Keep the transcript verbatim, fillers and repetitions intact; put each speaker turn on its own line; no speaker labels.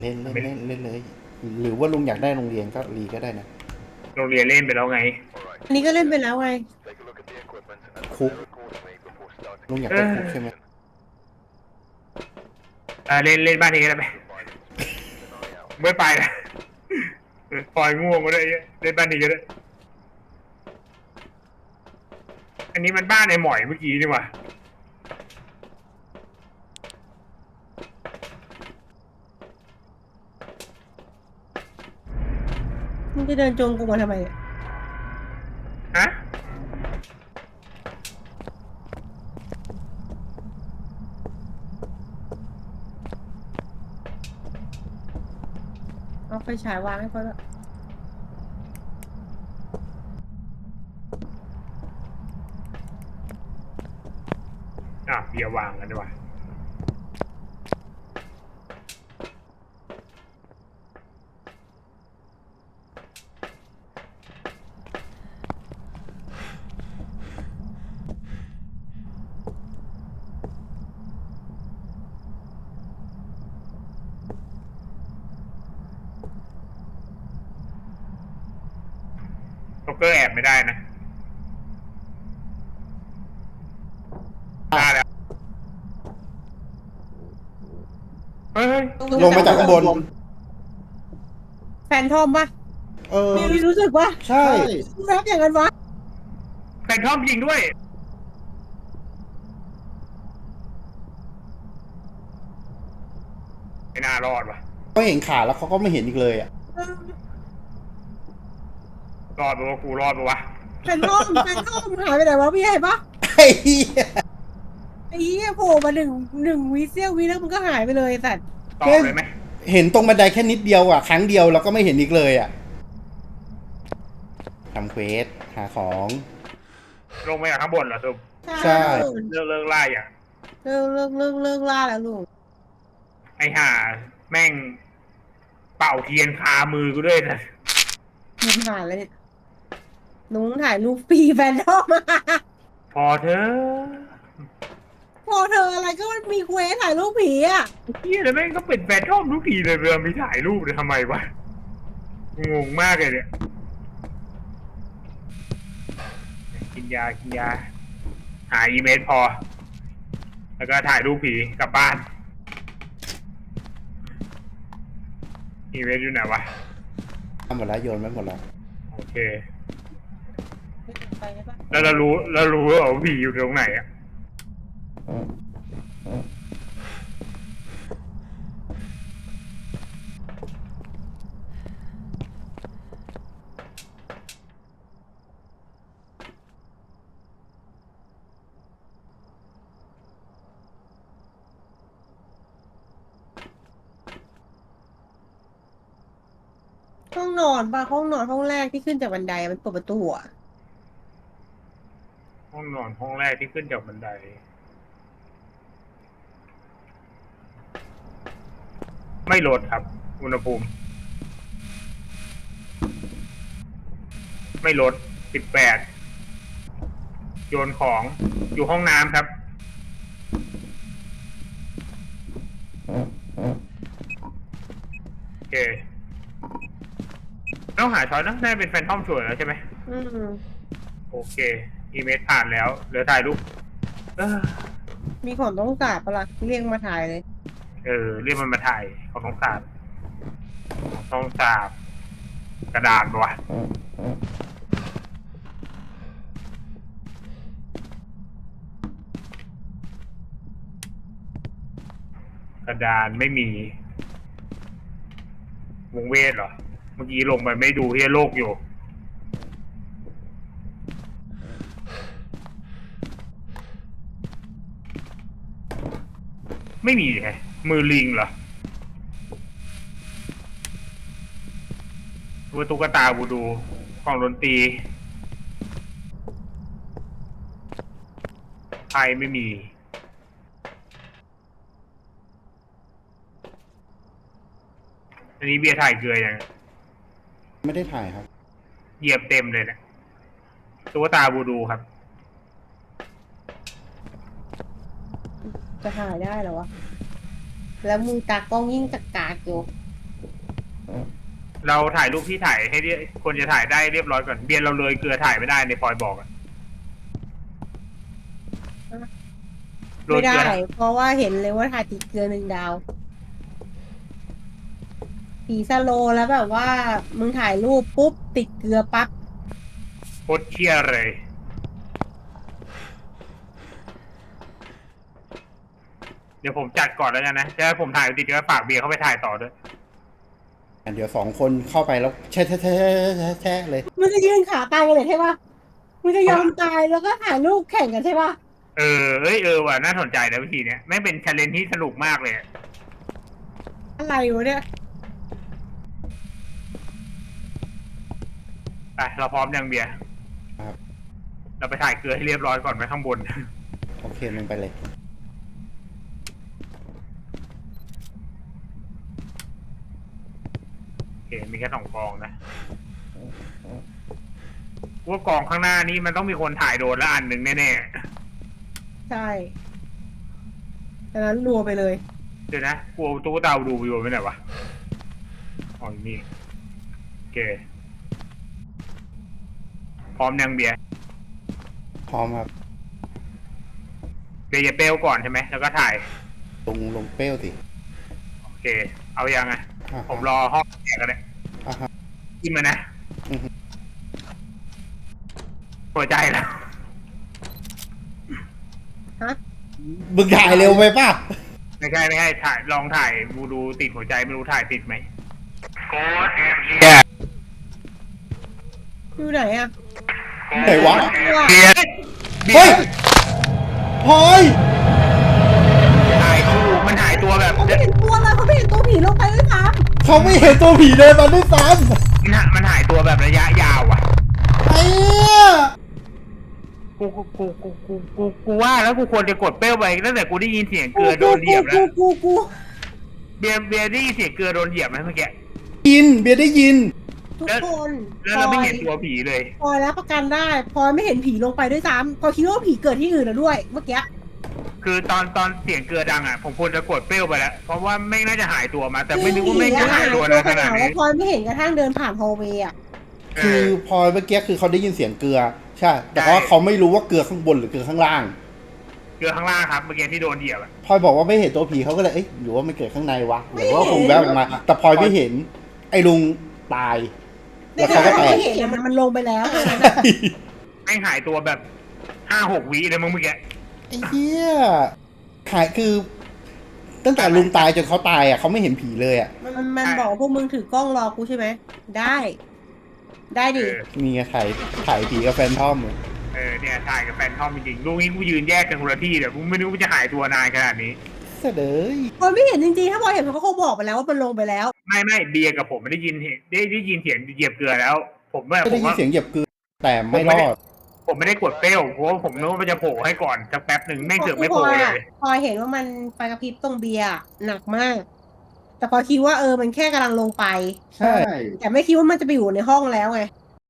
เล่นเล่นเล่นเล่นเลยหรือว่าลุงอยากได้โรงเรียนก็รีก็ได้นะ
โรงเรียนเล่นไปแล้วไง
อันนี้ก็เล่นไปแล้วไง
คุกลุงอยาก
เอ
ได้คุกใช่ไหม
ออ่าเล่นเล่นบ้านนี้ก็ได้ไหมไม่ไปนะปล่อยง่วงก็ได้เล่นบ้านนี้ก็ได้อันนี้มันบ้านในหมอยเมื่อกี้นี่หว่า
มึงจะเดินจงกูมาทำไมเนี่ย
ฮะ
เอาไฟฉายวางให้เขาแล้ว
อ่ะเบียร์วางกันดีกว่าโจ๊กเกอร์แอบไม่ได้นะได้แล้วเฮ้ย
ลงมาจากข้างบน
แฟนทอมปะ
เออ
มีรู้สึกว่า
ใช่
แรปอย่างนั้นวะ
แฟนทอมยิงด้วยไม่น่ารอดว่ะ
เขาเห็นขาแล้วเขาก็ไม่เห็นอีกเลยอ่ะ
รอดปะวะกูรอดปะวะ
แฟนทอมแฟนทอมหายไปไหนวะพี่ใหญ่ปะ
ไอ้เหี้ย
ไอ้เหี้ยโผล่มาหนึ่งหนึ่งวิเซียววิแล้วมันก็หายไปเลยสัตว์
ตอบเลยไหม
เห็นตรงบันไดแค่นิดเดียวอ่ะครั้งเดียวแล้วก็ไม่เห็นอีกเลยอ่ะทำเควสหาของ
ลงมาจากข้างบนเหรอทุก
ใช่
เลิกเลิกไล่อ่ะ
เลิกเลิกเลิกเลิกล่าแล้วลูก
ไอ้ห่าแม่งเป่าเทียนคามือกูด้วยนะ
มึงถ่ายแล้วเนี่ยหนุ้งถ่ายรูปปีแฟนทอมมา
พอเธอ
พอเธออะไรก็มันมีเควสถ่ายรูปผีอ่ะ
เฮียแล้วแม่งก็เป็นแฟนทอมทุกทีเลยเวลามีถ่ายรูปเลยทำไมวะงงมากเลยเนี่ยกินยากินยาหาอีเมลพอ แล้วก็ถ่ายรูปผีกลับบ้านอีเมลอยู่ไหนวะ
ทำหมดแล้วโยนไว้หมดแล้ว
โอเค
ไปได้ปะ
แล้วเรารู้แล้วรู้ว่าผีอยู่ตรงไหนอ่ะ
ห้องนอนปะห้องนอนห้องแรกที่ขึ้นจากบันไดมันเปิดประตูอ่ะ
ห้องนอนห้องแรกที่ขึ้นจากบันไดไม่ลดครับอุณหภูมิไม่ลดสิบแปดโยนของอยู่ห้องน้ำครับโอเคต้องหาช้อยนะน่าเป็นแฟนทอมชัวร์แล้วใช่ไหม
อืม
โอเคอีเมลผ่านแล้วเหลือถ่ายรูปเออ
มีของต้องสาบปะล่ะเรียกมาถ่ายเลย
เออเรียกมันมาถ่ายของน้องสาบของน้องสาบกระดาษวะกระดานไม่มีวงเวทเหรอเมื่อกี้ลงไปไม่ดูเฮียโลกอยู่ไม่มีไงมือลิงเหรอตัวตุ๊กตาบูดูของดนตรีไทยไม่มีอันนี้เบียร์ถ่ายเกลือยัง
ไม่ได้ถ่ายครับ
เหยียบเต็มเลยนะตุ๊กตาบูดูครับ
จะถ่ายได้เหรอวะแล้วมึงตากล้องยิ่งตะกากอยู่
เราถ่ายรูปที่ถ่ายให้เรียคนจะถ่ายได้เรียบร้อยก่อนเบียร์เราเลยเกลือถ่ายไม่ได้ในฟอยบอกอะโรย
ไม่
เกลื
ได้
อ
เพราะว่าเห็นเลยว่าถ่ายติดเกลือหนึ่งดาวผีสโลว์แล้วแบบว่า มึงถ่ายรูปปุ๊บติดเกลือปั๊บ
โคตรเชี่ยเลยเดี๋ยวผมจัดก่อนแล้วกันนะจะให้ผมถ่ายติดก็ฝากเบียร์เข้าไปถ่ายต่อด้วย
เดี๋ยวสองคนเข้าไปแล้วแช่แช่แช่แช่แช่เลย
มึงจะยืนขาตายกันเลยใช่ปะมึงจะยอมตายแล้วก็ถ่ายรูปแข่งกันใช่ปะ
เออเอ้ยเออว่ะน่าสนใจนะวิธีเนี้ยแม่งเป็นชาเลนจ์ที่สนุกมากเลยอะ
อะไรวะเนี่ย
ไปเราพร้อมยังเบียร์
ครับ
เราไปถ่ายเกลือให้เรียบร้อยก่อนไว้ข้างบน
โอเคมึงไปเลย
โอเคมีแค่สองกองนะว่ากองข้างหน้านี้มันต้องมีคนถ่ายโดนละอันหนึ่งแน่
ใช่ดังนั้นรัวไปเลย
ๆเดี๋ยวนะกูเอาตุ๊กตาดูไปอยู่ไปไหนวะอ๋ออยู่นี่โอเคพร้อมยังเบียร์
พร้อมครับ
เบียร์จะเปลวก่อนใช่ไหมแล้วก็ถ่าย
ลงลงเปรี้ยวสิ
โอเค เอายังไง
อ่า
ผมรอห้องแขกกันเลย
อ่าฮะ
กินมานะ
อือฮึ
หัวใจแล้ว
ฮะ
มึงถ่ายเร็วไปป่ะ
ไม่ใช่ไม่ใช่ถ่ายลองถ่ายดูดูติดหัวใจไม่รู้ถ่ายติดไหมโค้ดเอ็มเบียร์
อยู่ไหนอะ
ไหนวะ
เบียร์เบี
เฮ้
ย
ย
ร์
พลอย
ถ่ายคู่มันถ่ายตัวแบบ
เขาไม่เห็นตัวเลยเขาไม่เห็นตัวผีลงไปเลยครับ
เขาไม่เห็นตัวผีเดินมาด้วยซ้
มันถ่ายมันถ่ายตัวแบบระยะยาวอ่ะ
ำไอ้เนี่ย
กูกูกูกูกูกูกูว่าแล้วกูควรจะกดเป้ลไปตั้งแต่กูได้ยินเสียงเกลือโดนเหยียบแล้
กู
ว
กูกู
เบียร์เบียร์ได้ยินเสียงเกลือโดนเหยียบไหมเมื่อกี้
ยินเบียร์ได้ยิน
ทุกคน
แล้วเราไม่เห็นตัวผีเลย
พลอยรับประกันได้พลอยไม่เห็นผีลงไปด้วยซ้ำพลอยคิดว่าผีเกิดที่อื่นแล้วด้วย เมื่อกี้
คือตอนตอนเสียงเกลือดังอ่ะผมควรจะกดเป้ลไปแล้วเพราะว่าไม่น่าจะหายตัวมา แต่ไม่นึกว่าไม่งจะหายตัวนะขนาดนี้
พลอยไม่เห็นกระทั่งเดินผ่านฮอลเวย์อะ
คือพลอยเมื่อกี้คือเขาได้ยินเสียงเกลือ ใช่ แต่ว่าเขาไม่รู้ว่าเกลือข้างบนหรือเกลือข้างล่าง
เกลือข้างล่างครับเมื่อกี้ที่โดนเหยียบอ่ะ
พลอยบอกว่าไม่เห็นตัวผีเขาก็เลย เอ๊ะหรือว่ามันเกิดข้างในวะ หรือว่าคงแวบออกมา แต่พลอยไม่เห็น ไอ้ลุงตาย แล้วเขาก็แตก
ไม่เห็นมันมันลงไปแล้ว
แม่งหายตัวแบบห้าหกวิเลยมึงเมื่อกี้
ไอ้เหี้ยหายคือ ตั้งแต่ลุงตายจนเขาตายอ่ะเขาไม่เห็นผีเลยอ่ะ
มันมันบอกว่าพวกมึงถือกล้องรอกูใช่ไหมได้ ได้
เอ
ดิ
อ
มีไงถ่ายถ่ายผีกับแฟนทอมเลย
เออเนี่ยถ่ายกับแฟนทอมจริงๆลูกนี้กูยืนแยกกันคนละที่เดี๋ยวกูไม่นึกว่าจะหายตัวนานขนาดนี้
เสยเดย
พลอยไม่เห็นจริงๆถ้าพลอยเห็นเขาคงบอกไปแล้วว่ามันลงไปแล้ว
ไม่ไม่เบียร์กับผมไม่ได้ยินเห็นได้ได้ยินเสียงเหยียบเกลือแล้ว ผมแบบ
ก็
ผ
ได้
ม
ยิน
ว่า
เสียงเหยียบเกลือแต่ไม่รอด
ผมไม่ได้กดเป้ลเพราะว่าผมนึกว่ามันจะโผล่ให้ก่อนสักแป๊บหนึ่งไม่เสือกไม่โผล่เลย
พลอยเห็นว่ามันไฟกระพริบตรงเบียร์หนักมาก แต่พลอยคิดว่าเออมันแค่กำลังลงไป
ใช่
แต่ไม่คิดว่ามันจะไปอยู่ในห้องแล้วไง